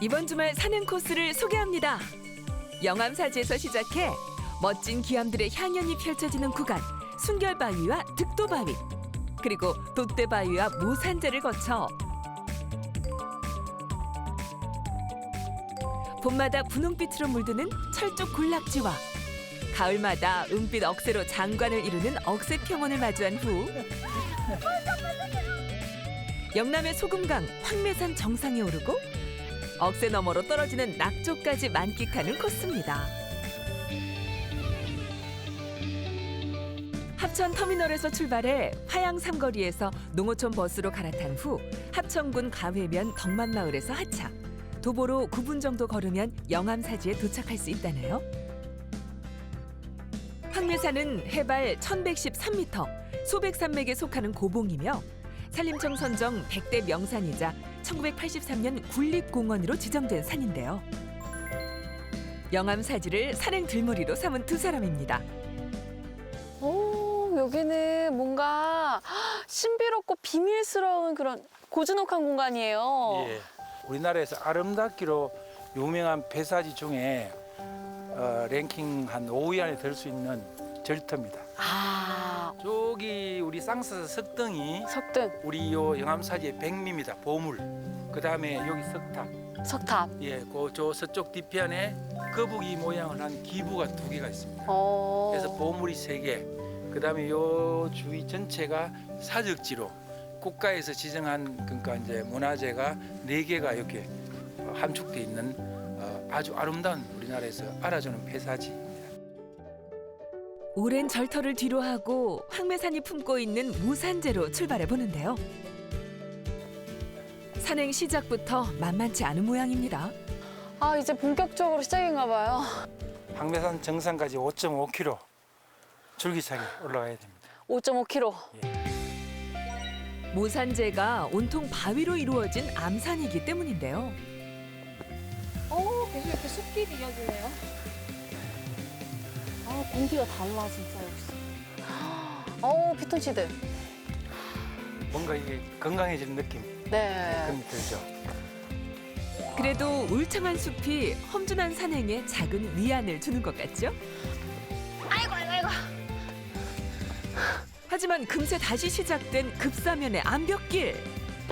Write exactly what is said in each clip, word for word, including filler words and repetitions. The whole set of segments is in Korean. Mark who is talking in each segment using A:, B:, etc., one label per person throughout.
A: 이번 주말 산행 코스를 소개합니다. 영암사지에서 시작해 멋진 기암들의 향연이 펼쳐지는 구간 순결바위와 득도바위, 그리고 돛대바위와 모산재를 거쳐 봄마다 분홍빛으로 물드는 철쭉 군락지와 가을마다 은빛 억새로 장관을 이루는 억새평원을 마주한 후 영남의 소금강 황매산 정상에 오르고 억새 너머로 떨어지는 낙조까지 만끽하는 코스입니다. 합천 터미널에서 출발해 화양 삼거리에서 농어촌 버스로 갈아탄 후 합천군 가회면 덕만마을에서 하차, 도보로 구 분 정도 걸으면 영암사지에 도착할 수 있다네요. 황매산은 해발 천백십삼 미터, 소백산맥에 속하는 고봉이며 산림청 선정 백 대 명산이자 천구백팔십삼 년 국립공원으로 지정된 산인데요. 영암사지를 산행 들머리로 삼은 두 사람입니다.
B: 오, 여기는 뭔가 신비롭고 비밀스러운 그런 고즈넉한 공간이에요.
C: 예, 우리나라에서 아름답기로 유명한 폐사지 중에 어, 랭킹 한 오 위 안에 들 수 있는 절터입니다.
B: 아,
C: 저기 우리 쌍서 석등이
B: 석등,
C: 우리 요 영암사지의 백미입니다. 보물. 그 다음에 여기 석탑.
B: 석탑.
C: 예, 그저 서쪽 뒤편에 거북이 모양을 한 기부가 두 개가 있습니다.
B: 어.
C: 그래서 보물이 세 개. 그 다음에 요 주위 전체가 사적지로 국가에서 지정한 그러니까 이제 문화재가 네 개가 이렇게 함축돼 있는 어, 아주 아름다운 우리나라에서 알아주는 폐사지.
A: 오랜 절터를 뒤로하고 황매산이 품고 있는 모산재로 출발해 보는데요. 산행 시작부터 만만치 않은 모양입니다.
B: 아, 이제 본격적으로 시작인가 봐요.
C: 황매산 정상까지 오 점 오 킬로미터 줄기차게 올라가야 됩니다.
B: 오 점 오 킬로미터.
A: 모산재가 온통 바위로 이루어진 암산이기 때문인데요.
B: 어, 계속 이렇게 숲길이 이어지네요. 아, 공기가 달라 진짜 역시. 어우, 피톤치드.
C: 뭔가 이게 건강해지는 느낌
B: 네.
C: 그런 게 들죠.
A: 그래도 울창한 숲이 험준한 산행에 작은 위안을 주는 것 같죠?
B: 아이고, 아이고, 아이고.
A: 하지만 금세 다시 시작된 급사면의 암벽길.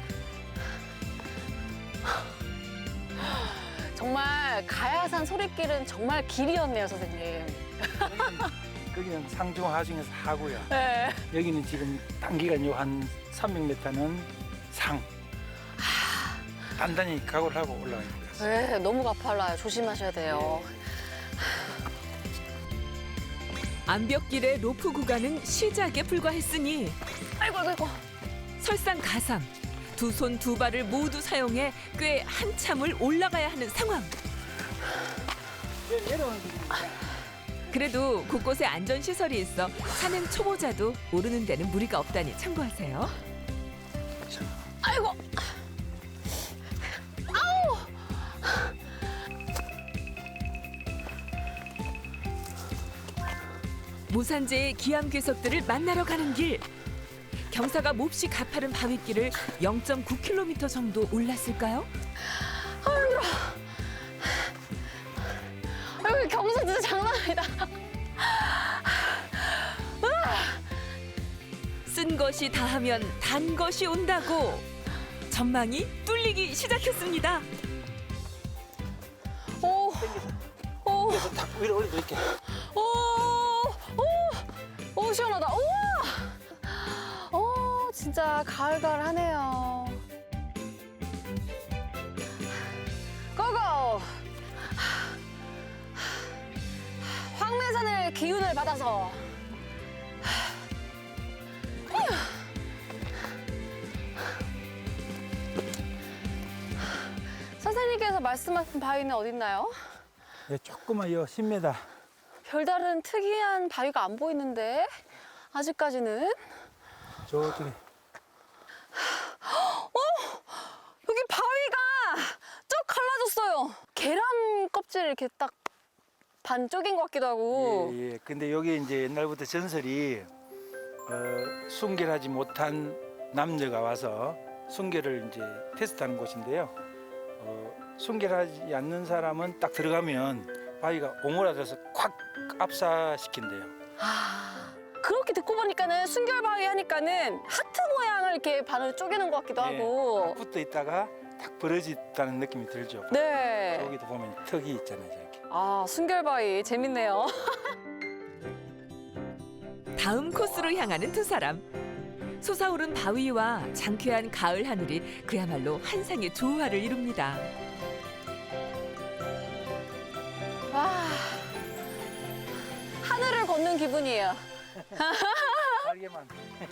B: 정말 가야산 소리길은 정말 길이었네요, 선생님.
C: 거기는 상중 하중에서 하고요.
B: 네.
C: 여기는 지금 단기간 요한 삼백 미터는 상. 단단히 각오를 하고 올라가야 됩니다.
B: 네, 너무 가팔라요. 조심하셔야 돼요.
A: 암벽길의 로프 구간은 시작에 불과했으니
B: 아이고, 아이고, 아이고.
A: 설상가상, 두 손 두 발을 모두 사용해 꽤 한참을 올라가야 하는 상황. 그래도 곳곳에 안전시설이 있어 산행 초보자도 오르는 데는 무리가 없다니 참고하세요.
B: 아이고.
A: 모산재의 기암 괴석들을 만나러 가는 길. 경사가 몹시 가파른 바위길을 영 점 구 킬로미터 정도 올랐을까요?
B: 아이고, 경사 진짜 장난 아니다.
A: 쓴 것이 다하면 단 것이 온다고 전망이 뚫리기 시작했습니다.
B: 오, 오,
C: 그래서 탁 위로 올려드릴게요.
B: 오, 오, 오, 시원하다. 우와. 오, 진짜 가을가을하네요. 고고! 황매산의 기운을 받아서 선생님께서 말씀하신 바위는 어딨나요?
C: 네, 조금만 요 십 미터.
B: 별다른 특이한 바위가 안 보이는데 아직까지는.
C: 저쪽에.
B: 여기 바위가 쭉 갈라졌어요. 계란 껍질 이렇게 딱 반 쪼갠 것 같기도 하고.
C: 예, 예. 근데 여기 이제 옛날부터 전설이 어, 순결하지 못한 남녀가 와서 순결을 이제 테스트하는 곳인데요. 어, 순결하지 않는 사람은 딱 들어가면 바위가 오므라져서 콱 압사시킨대요.
B: 아, 그렇게 듣고 보니까는 순결바위 하니까는 하트 모양을 이렇게 반으로 쪼개는 것 같기도 하고.
C: 딱 붙어 있다가 딱 벌어졌다는 느낌이 들죠.
B: 네.
C: 여기도 보면 턱이 있잖아요, 이렇게.
B: 아, 순결바위 재밌네요.
A: 다음 코스로 향하는 두 사람. 솟아오른 바위와 장쾌한 가을 하늘이 그야말로 한상의 조화를 이룹니다.
B: 와, 하늘을 걷는 기분이에요.
C: 날개만.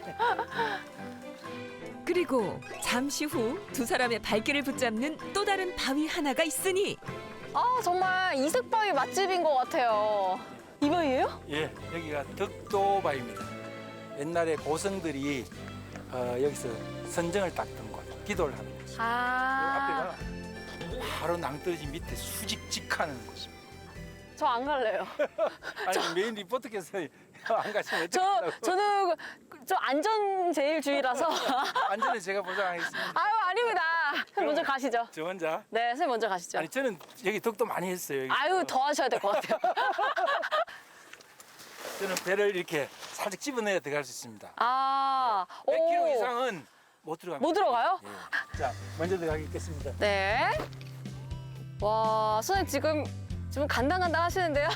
A: 그리고 잠시 후 두 사람의 발길을 붙잡는 또 다른 바위 하나가 있으니
B: 아, 정말 이색바위 맛집인 것 같아요. 이 바위예요?
C: 예, 여기가 덕도바위입니다. 옛날에 고성들이 어, 여기서 선정을 닦던 곳, 기도를 하는 곳.
B: 아,
C: 앞에가 바로 낭떠러지 밑에 수직직하는 곳입니다.
B: 저 안 갈래요.
C: 아니 메인 리포터께서 안 가시면
B: 저,
C: 어떡하려고.
B: 저는 저 안전제일주의라서.
C: 안전은 제가 보장하겠습니다.
B: 아유, 아닙니다. 선생님 먼저 가시죠.
C: 저 혼자.
B: 네, 선생님 먼저 가시죠.
C: 아니 저는 여기 덕도 많이 했어요. 여기.
B: 아유, 더 하셔야 될 것 같아요.
C: 저는 배를 이렇게 살짝 집어내야 들어갈 수 있습니다.
B: 아,
C: 백 킬로미터
B: 오.
C: 이상은 못 들어갑니다.
B: 못 들어가요?
C: 예. 자, 먼저 들어가겠습니다.
B: 네. 와, 선생님 지금 지금 간당간당 하시는데요?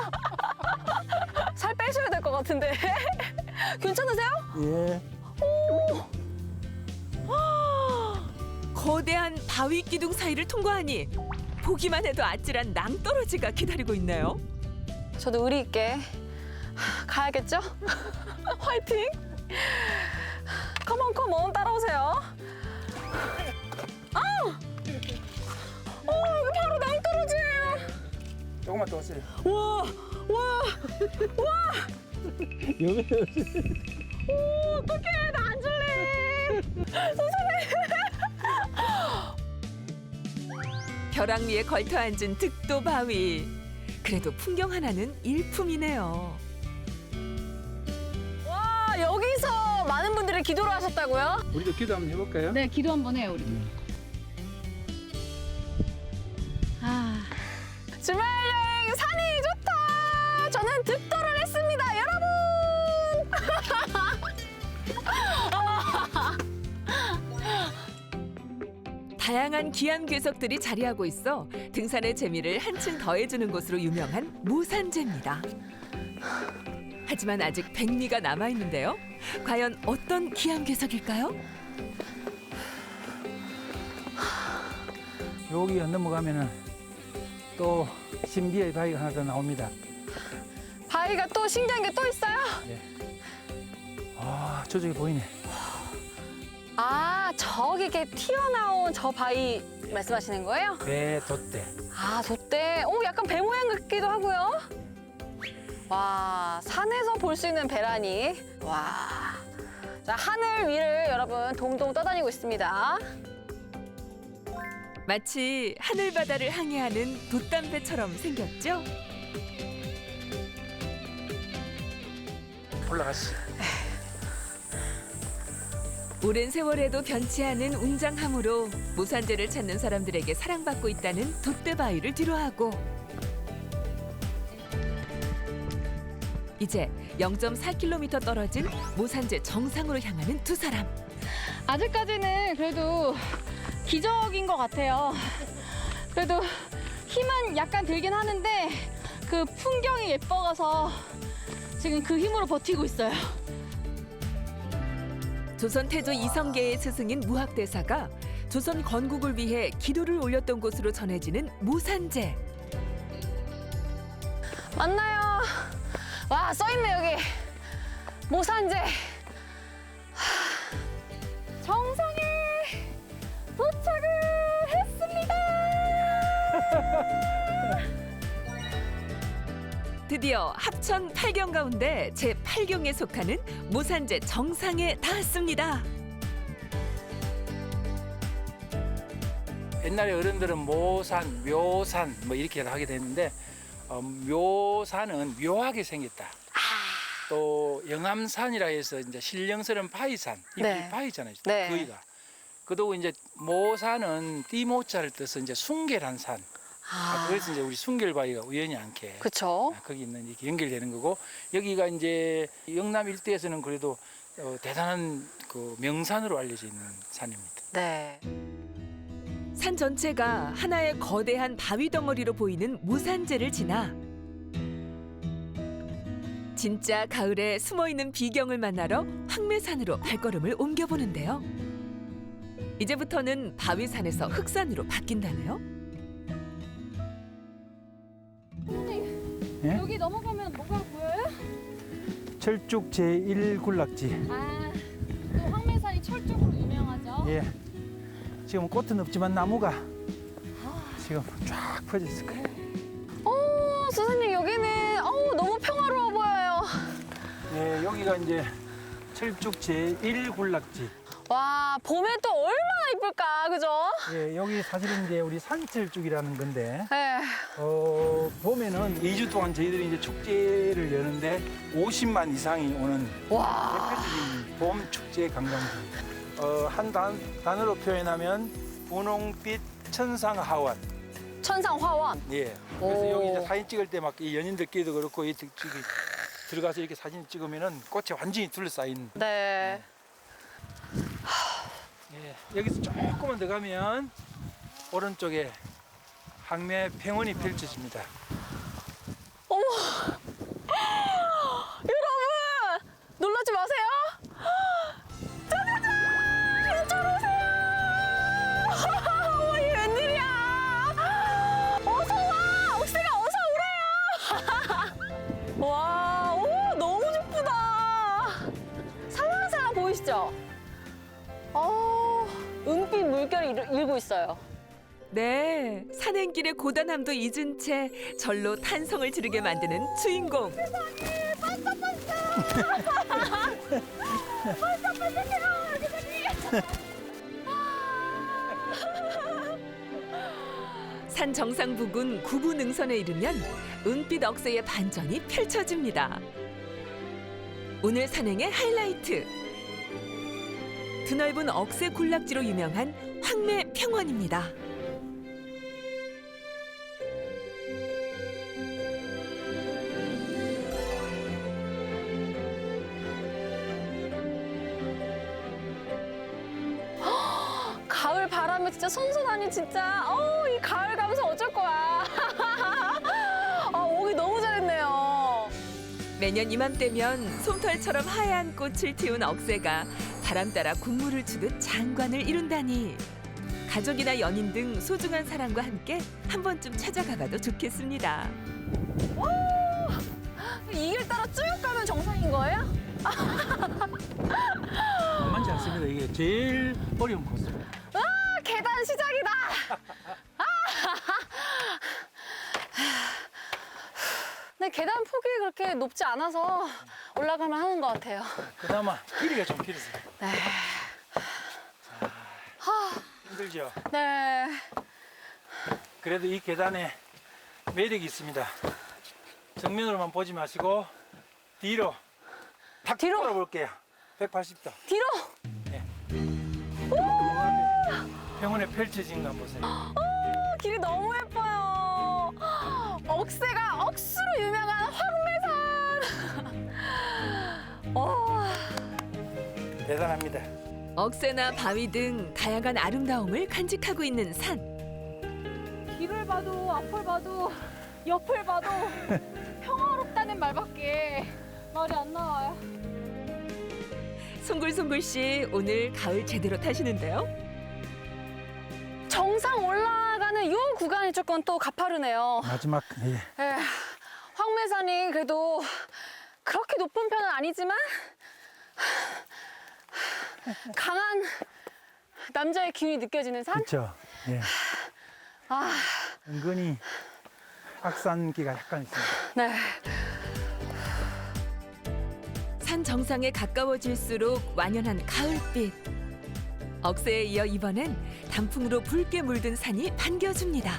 B: 살 빼셔야 될 것 같은데. 괜찮으세요?
C: 예.
A: 거대한 바위 기둥 사이를 통과하니 보기만 해도 아찔한 낭떠러지가 기다리고 있네요.
B: 저도 의리 있게 가야겠죠? 화이팅! 컴온 컴온 따라오세요. 아! 어, 여기 바로 낭떠러지예요.
C: 조금만 더 오세요.
B: 와, 와, 와!
C: 여기
B: 오, 어떡해, 나 안 줄래.
A: 벼랑 위에 걸터 앉은 득도 바위. 그래도 풍경 하나는 일품이네요.
B: 와, 여기서 많은 분들이 기도를 하셨다고요?
C: 우리도 기도 한번 해볼까요?
D: 네, 기도 한번 해요, 우리. 아,
B: 주말 여행 산이 좋다. 저는 득도를 했습니다, 여러분.
A: 다양한 귀한 괴석들이 자리하고 있어 등산의 재미를 한층 더해주는 곳으로 유명한 모산재입니다. 하지만 아직 백미가 남아있는데요. 과연 어떤 귀한 괴석일까요?
C: 여기 넘어가면은 또 신비의 바위가 하나 더 나옵니다.
B: 바위가 또 신기한 게 또 있어요?
C: 아, 저쪽에 보이네.
B: 아, 저기 이렇게 튀어나온 저 바위 말씀하시는 거예요?
C: 배 돛대.
B: 아, 돛대. 오, 약간 배 모양 같기도 하고요. 와, 산에서 볼 수 있는 배라니. 와. 자, 하늘 위를 여러분 동동 떠다니고 있습니다.
A: 마치 하늘바다를 항해하는 돛담배처럼 생겼죠?
C: 올라가시.
A: 오랜 세월에도 변치 않은 웅장함으로 모산재를 찾는 사람들에게 사랑받고 있다는 돛대바위를 뒤로하고 이제 영 점 사 킬로미터 떨어진 모산재 정상으로 향하는 두 사람.
D: 아직까지는 그래도 기적인 것 같아요. 그래도 힘은 약간 들긴 하는데 그 풍경이 예뻐가서 지금 그 힘으로 버티고 있어요.
A: 조선 태조 이성계의 스승인 무학대사가 조선 건국을 위해 기도를 올렸던 곳으로 전해지는 모산재.
B: 맞나요? 와, 써있네, 여기. 모산재. 하, 정상에 도착을 했습니다.
A: 드디어 합천 팔 경 가운데 제팔 경에 속하는 모산재 정상에 닿았습니다.
C: 옛날에 어른들은 모산, 묘산 뭐 이렇게 하게 됐는데 어, 묘산은 묘하게 생겼다. 또 영암산이라 해서 이제 신령스러운 바위산, 이
B: 네.
C: 바위잖아요.
B: 네.
C: 거기가 그리고 이제 모산은 띠모자를 떠서 이제 순결한 산. 아, 그래서 이제 우리 순결바위가 우연히 않게
B: 그쵸.
C: 아, 거기 있는 이렇게 연결되는 거고 여기가 이제 영남 일대에서는 그래도 어, 대단한 그 명산으로 알려져 있는 산입니다.
B: 네.
A: 산 전체가 하나의 거대한 바위 덩어리로 보이는 무산제를 지나 진짜 가을에 숨어있는 비경을 만나러 황매산으로 발걸음을 옮겨보는데요. 이제부터는 바위산에서 흑산으로 바뀐다네요.
C: 예?
D: 여기 넘어가면 뭐가 보여요?
C: 철쭉 제일 군락지.
D: 아, 또 황매산이 철쭉으로 유명하죠.
C: 예. 지금 꽃은 없지만 나무가 지금 쫙 퍼져 있을 거예요.
B: 어, 선생님 여기는 어우, 너무 평화로워 보여요.
C: 예, 여기가 이제 철쭉 제일 군락지.
B: 와, 봄에 또 얼마나 이쁠까, 그죠?
C: 예, 여기 사실은 이제 우리 산철쭉이라는 건데
B: 네.
C: 어, 봄에는 이 주 동안 저희들이 이제 축제를 여는데 오십만 이상이 오는
B: 와.
C: 대표적인 봄 축제 관광지. 어, 한 단, 단어로 표현하면 분홍빛 천상하원.
B: 천상화원.
C: 예. 그래서
B: 오.
C: 여기 이제 사진 찍을 때 막 이 연인들끼리도 그렇고 이 들- 저기 들어가서 이렇게 사진 찍으면은 꽃에 완전히 둘러싸인.
B: 네.
C: 예. 여기서 조금만 더 가면 오른쪽에 항매 평원이 펼쳐집니다.
B: 어머. 여러분! 놀라지 마세요. 짜자잔! 이쪽으로 오세요. 어머, 이게 웬일이야. 어서 와. 옥새가 어서 오래요. 와, 오, 너무 예쁘다. 살랑살랑 보이시죠? 어, 은빛 물결이 일- 일고 있어요.
A: 네, 산행길의 고단함도 잊은 채 절로 탄성을 지르게 만드는 주인공. 산 정상 부근 구부 능선에 이르면 은빛 억새의 반전이 펼쳐집니다. 오늘 산행의 하이라이트. 드넓은 억새 군락지로 유명한 황매 평원입니다.
B: 가을 바람에 진짜 선선하니 진짜 어우, 이 가을 감성 어쩔 거야. 아, 오기 너무 잘했네요.
A: 매년 이맘때면 솜털처럼 하얀 꽃을 틔운 억새가 바람 따라 군무를 추듯 장관을 이룬다니 가족이나 연인 등 소중한 사람과 함께 한 번쯤 찾아가봐도 좋겠습니다.
B: 이 길 따라 쭉 가면 정상인 거예요?
C: 만만치 않습니다. 이게 제일 어려운 코스.
B: 아, 계단 시작이다. 아. 근데 계단 폭이 그렇게 높지 않아서 올라가면 하는 것 같아요.
C: 그나마 길이가 좀 길어서.
B: 네.
C: 힘들죠.
B: 네.
C: 그래도 이 계단에 매력이 있습니다. 정면으로만 보지 마시고 뒤로 탁
B: 뒤로?
C: 돌아볼게요. 백팔십 도.
B: 뒤로.
C: 병원에 펼쳐진 거 한번 보세요.
B: 어, 길이 너무 예뻐요. 억새가 억수로 유명한 황매산. 어,
C: 대단합니다.
A: 억새나 바위 등 다양한 아름다움을 간직하고 있는 산.
D: 뒤를 봐도 앞을 봐도 옆을 봐도 평화롭다는 말밖에 말이 안 나와요.
A: 송글송글 씨 오늘 가을 제대로 타시는데요?
B: 정상 올라가는 이 구간이 조금 또 가파르네요.
C: 마지막 예.
B: 에, 황매산이 그래도 그렇게 높은 편은 아니지만 강한 남자의 기운이 느껴지는 산?
C: 그렇죠. 예.
B: 아,
C: 은근히 악산기가 약간 있습니다.
B: 네.
A: 산 정상에 가까워질수록 완연한 가을빛. 억새에 이어 이번엔 단풍으로 붉게 물든 산이 반겨줍니다.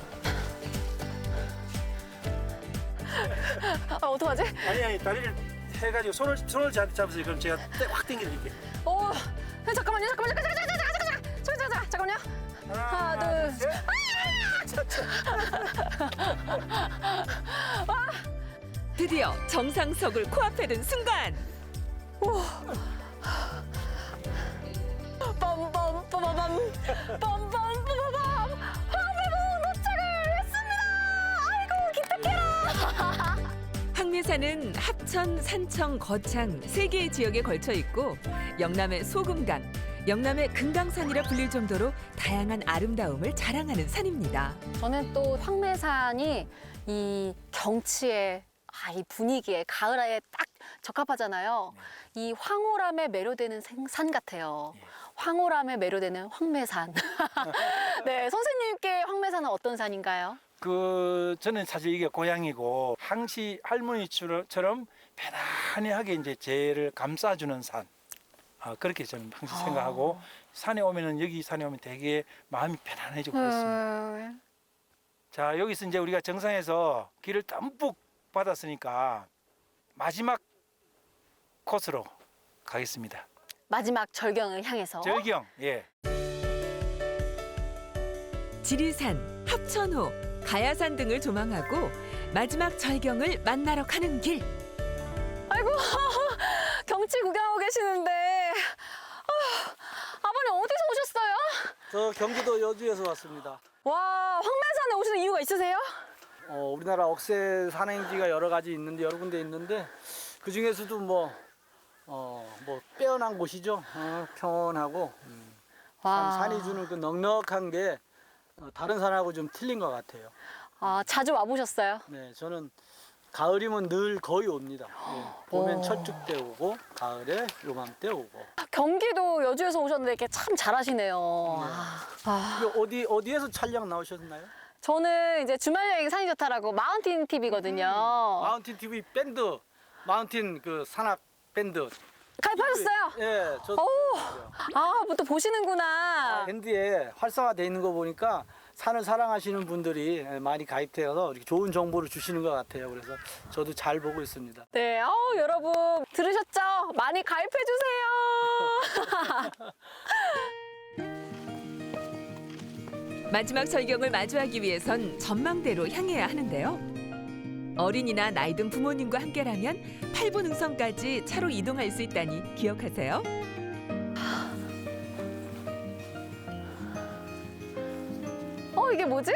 B: 아, 어떡하지?
C: 아니 아니 다리를
E: 해가지고 손을 손을 잡, 잡으세요. 그럼 제가 떼- 확 당겨드릴게요.
B: 오, 잠깐만요, 잠깐만요, 잠깐, 잠깐, 잠깐, 잠깐, 잠깐, 잠깐, 잠깐, 잠깐만요. 하나, 둘, 셋.
A: 드디어 정상석을 코앞에 든 순간
B: 빰빰 빠바밤 빰빰 빠바밤 황매봉 도착을 했습니다. 아이고 기특해라.
A: 황매산은 합천, 산청, 거창 세 개의 지역에 걸쳐 있고 영남의 소금강, 영남의 금강산이라 불릴 정도로 다양한 아름다움을 자랑하는 산입니다.
B: 저는 또 황매산이 이 경치에 아, 이 분위기에 가을에 딱 적합하잖아요. 이 황홀함에 매료되는 생- 산 같아요. 황홀함에 매료되는 황매산. 네, 선생님께 황매산은 어떤 산인가요?
C: 그 저는 사실 이게 고향이고 항시 할머니처럼 편안하게 이제 제를 감싸주는 산. 아, 그렇게 저는 항상 생각하고 산에 오면은 여기 산에 오면 되게 마음이 편안해지고 그렇습니다.
B: 음,
C: 자, 여기서 이제 우리가 정상에서 길을 듬뿍 받았으니까 마지막 코스로 가겠습니다.
B: 마지막 절경을 향해서.
C: 절경, 예.
A: 지리산, 합천호, 가야산 등을 조망하고 마지막 절경을 만나러 가는 길.
B: 아이고 경치 구경하고 계시는데 아, 아버님 어디서 오셨어요?
F: 저 경기도 여주에서 왔습니다.
B: 와 황매산에 오시는 이유가 있으세요?
F: 어, 우리나라 억새 산행지가 여러 가지 있는데 여러 군데 있는데 그 중에서도 뭐, 어, 뭐 빼어난 곳이죠. 어, 평온하고 음, 산, 산이 주는 그 넉넉한 게 어, 다른 산하고 좀 틀린 것 같아요.
B: 아 자주 와보셨어요?
F: 네, 저는 가을이면 늘 거의 옵니다. 예, 봄엔
B: 오.
F: 철쭉 때 오고 가을에 요맘때 오고.
B: 경기도 여주에서 오셨는데 이렇게 참 잘하시네요. 아, 아,
F: 이거 어디 어디에서 촬영 나오셨나요?
B: 저는 이제 주말 여행 산이 좋다라고 마운틴 티비거든요.
F: 마운틴 티비 밴드, 마운틴 그 산악 밴드.
B: 가입하셨어요?
F: 예, 저
B: 오, 아, 뭐 또 보시는구나.
F: 밴드에 활성화돼 있는 거 보니까 산을 사랑하시는 분들이 많이 가입되어서 이렇게 좋은 정보를 주시는 것 같아요. 그래서 저도 잘 보고 있습니다.
B: 네, 어우, 여러분 들으셨죠? 많이 가입해 주세요.
A: 마지막 절경을 마주하기 위해선 전망대로 향해야 하는데요. 어린이나 나이 든 부모님과 함께라면 팔 분 능선까지 차로 이동할 수 있다니 기억하세요.
B: 어, 이게 뭐지?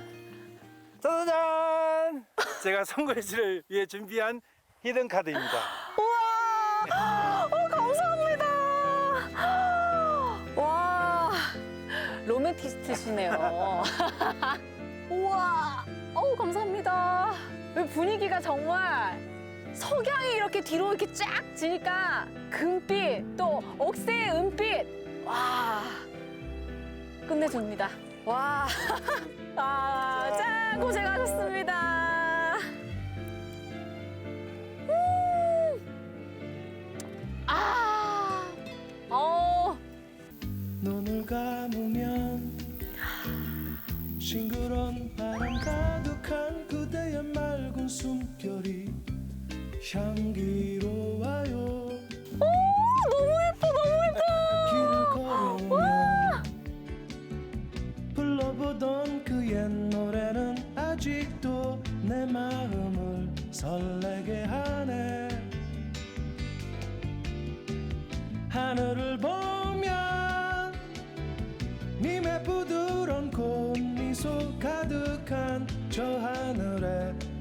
C: 짜잔! 제가 선글씨를 위해 준비한 히든 카드입니다.
B: 우와! 어, 감사합니다. 와, 로맨티스트시네요. 우와, 어우, 감사합니다. 이 분위기가 정말 석양이 이렇게 뒤로 이렇게 쫙 지니까 금빛, 또 억새의 은빛. 와, 끝내줍니다. 와, 아, 짠, 고생하셨습니다. 아, 어,
G: 눈을 감으면 싱그러운 바람 가득한 그대의 맑은 숨결이 향기로워요.
B: 너무 예뻐, 너무 예뻐.
G: 길을 걸으면 불러보던 그 옛 노래는 아직도 내 마음을 설레게 하네. 하늘을 보면 님의 부드러운 꽃미소 가득한 저 하늘에